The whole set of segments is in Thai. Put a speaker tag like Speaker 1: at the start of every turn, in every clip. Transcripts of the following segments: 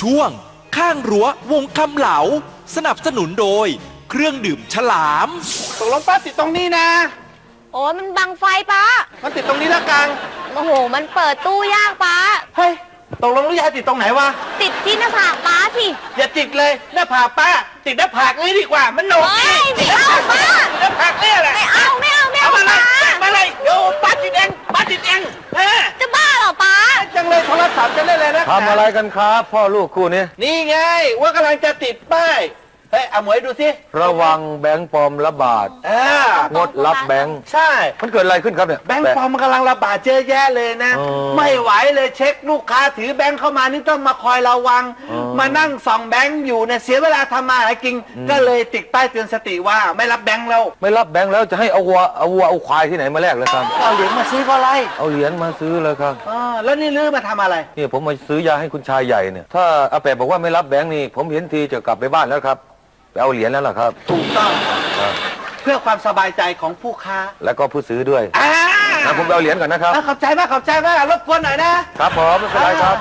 Speaker 1: ช่วงข้างรั้ววงคำเหลาสนับสนุนโดยเครื่องดื่มฉลาม
Speaker 2: ตกลงป้าติดตรงนี้นะ
Speaker 3: โอ้ยมันบังไฟป้า
Speaker 2: มันติดตรงนี้แล้วกัง
Speaker 3: โอ้โห มันเปิดตู้ยากป้า
Speaker 2: เฮ้ยตกลงลูกยายติดตรงไหนวะ
Speaker 3: ติดที่หน้าผากป้าสิ
Speaker 2: อย่าติดเลยหน้าผากป้า ติดหน้าผากเลยดีกว่ามันโหนก
Speaker 3: เฮ้ยไม่เอาป้า
Speaker 2: ติดหน้าผากเนี่ยแหละ
Speaker 3: ไม่เอาไม่เอาไม่
Speaker 2: เอา
Speaker 3: เอา
Speaker 2: มาเลย
Speaker 3: ป้า
Speaker 2: มาเลยเดี๋ยวป้าติดเองป้าติดเองเฮ้ย
Speaker 3: จะบ้าเหรอป้า
Speaker 2: จังเลยโทรศัพท์จะเล่นเลยนะ
Speaker 4: ทำอะไรกันครับพ่อลูกคู่นี้
Speaker 2: นี่ไงว่ากำลังจะติดป้ายเฮ้ยเอาหมวยดูสิ
Speaker 4: ระวังแบงค์ปลอมระบาด งดรับแบงค์
Speaker 2: ใช่
Speaker 4: มันเกิดอะไรขึ้นครับเนี่ย
Speaker 2: แบงค์ปลอมมันกำลังระบาดเยอะแยะเลยนะ
Speaker 4: อ๋อ
Speaker 2: ไม่ไหวเลยเช็คลูกค้าถือแบงค์เข้ามานี่ต้องมาคอยระวัง
Speaker 4: อ๋อ
Speaker 2: มานั่งส่องแบงค์อยู่เนี่ยเสียเวลาทำมาหากินก็เลยติดป้ายเตือนสติว่าไม่รับแบงค์แล้ว
Speaker 4: ไม่รับแบงค์แล้วจะให้เอาวัวเอาควายที่ไหนมาแลกเลยครับ
Speaker 2: เอาเหรียญมาซื้อก็ไร
Speaker 4: เอาเหรียญมาซื้อเลยครับ
Speaker 2: แล้วนี่ลื้อมาทำอะไร
Speaker 4: นี่ผมมาซื้อยาให้คุณชายใหญ่เนี่ยถ้าอาแปะบอกว่าไม่รับแบงค์นี่ผมเห็นทีจะกลับไปบ้านแล้วครับไปเอาเหรียญแล้วล่ะครับ
Speaker 2: ถูกต้อง
Speaker 4: ครับ
Speaker 2: เพื่อความสบายใจของผู้ค้า
Speaker 4: แล้วก็ผู้ซื้อด้วย
Speaker 2: อ่า
Speaker 4: นะผมไปเอาเหรียญก่อนนะครับ
Speaker 2: ขอบใจมากขอบใจมากรบกวนหน่อยนะครับ
Speaker 4: ผมไม่เป็นไรครับ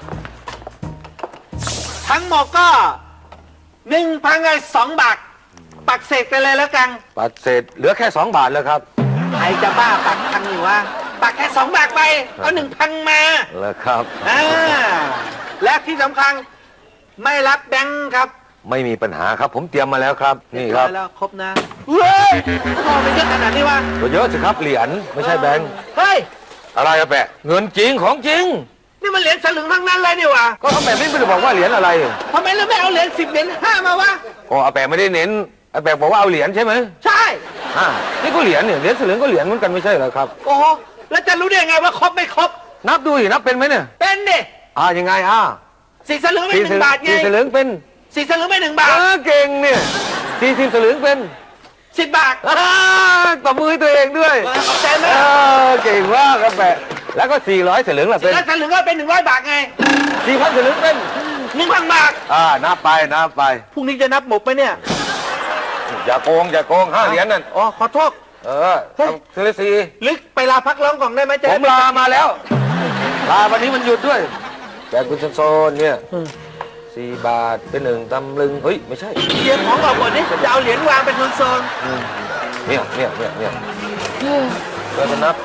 Speaker 2: ทั้งหมดก็1,200 บาทปักเสกไปเลยแล้วกัน
Speaker 4: ปัดเศษเหลือแค่2 บาทแล้วครับ
Speaker 2: ใครจะบ้าปักพันอยู่วะปักแค่2 บาทไปเอา1,000มา
Speaker 4: แล้วครับ
Speaker 2: และที่สำคัญไม่รับแบงค์ครับ
Speaker 4: ไม่มีปัญหาครับ ผมเตรียมมาแล้วครับนี่ครับ
Speaker 2: เยอยแล้วครบนะเฮ้ยทำไมเยอะขนาดนี้วะ
Speaker 4: ก็เยอะสิครับเหรียญไม่ใช่แบงค์
Speaker 2: เฮ้ย
Speaker 4: อะไรอาแปะเงินจริงของจริง
Speaker 2: นี่มันเหรียญสลึงทั้งนั้นเลยนี่วะ
Speaker 4: ก็อาแปะไม่ได้บอกว่าเหรียญอะไร
Speaker 2: ทำไมเราไม่เอาเหรียญ10 เหรียญ5มาวะ
Speaker 4: ก็อาแปะไม่ได้เน้นอาแปะบอกว่าเอาเหรียญใช่ไหม
Speaker 2: ใช่
Speaker 4: นี่ก็เหรียญเนี่ยเหรียญสลึงก็เหรียญเหมือนกันไม่ใช่เหรอครับ
Speaker 2: โอ้โหแล้วจะรู้ได้ยังไงว่าครบไม่ครบ
Speaker 4: นับดูสินับเป็นไหมเนี่ย
Speaker 2: เป็นดิ
Speaker 4: ยังไง
Speaker 2: 4 สลึงไม่
Speaker 4: สี่
Speaker 2: 1 บาทไง
Speaker 4: สลึงเป็น
Speaker 2: 4 สลึงไม่1 บาท
Speaker 4: เก่งเนี่ย40 สลึงเป็น
Speaker 2: 10 บาท
Speaker 4: ตบมือให้ตัวเองด้วย
Speaker 2: ขอบใจมาก
Speaker 4: เก่งมากอาแปะแล้วก็400 สลึงล่ะเป็น
Speaker 2: แล้วสลึงก็เป็น100 บาทไง
Speaker 4: 4,000 สลึงเป็น
Speaker 2: 1,000 บาท
Speaker 4: นับไปนับไป
Speaker 2: พรุ่งนี้จะนับหมดไหมเนี่ย
Speaker 4: อย่าโกง5 เหรียญนั่น
Speaker 2: อ๋อขอโทษ เฮ้ย
Speaker 4: ทีละสี่
Speaker 2: ลึกไปลาพักร้องก่อนได้ไหมเจ๊
Speaker 4: ผมลามาแล้ว ลาวันนี้มันหยุดด้วย แต่คุณโซนเนี่ย4 บาทเป็น1 ตำลึงเฮ้ยไม่ใช่
Speaker 2: เตรียมของออกหมดนี่จะเอาเหรียญวางเป็นโซน
Speaker 4: เนี่ยเราจะนับ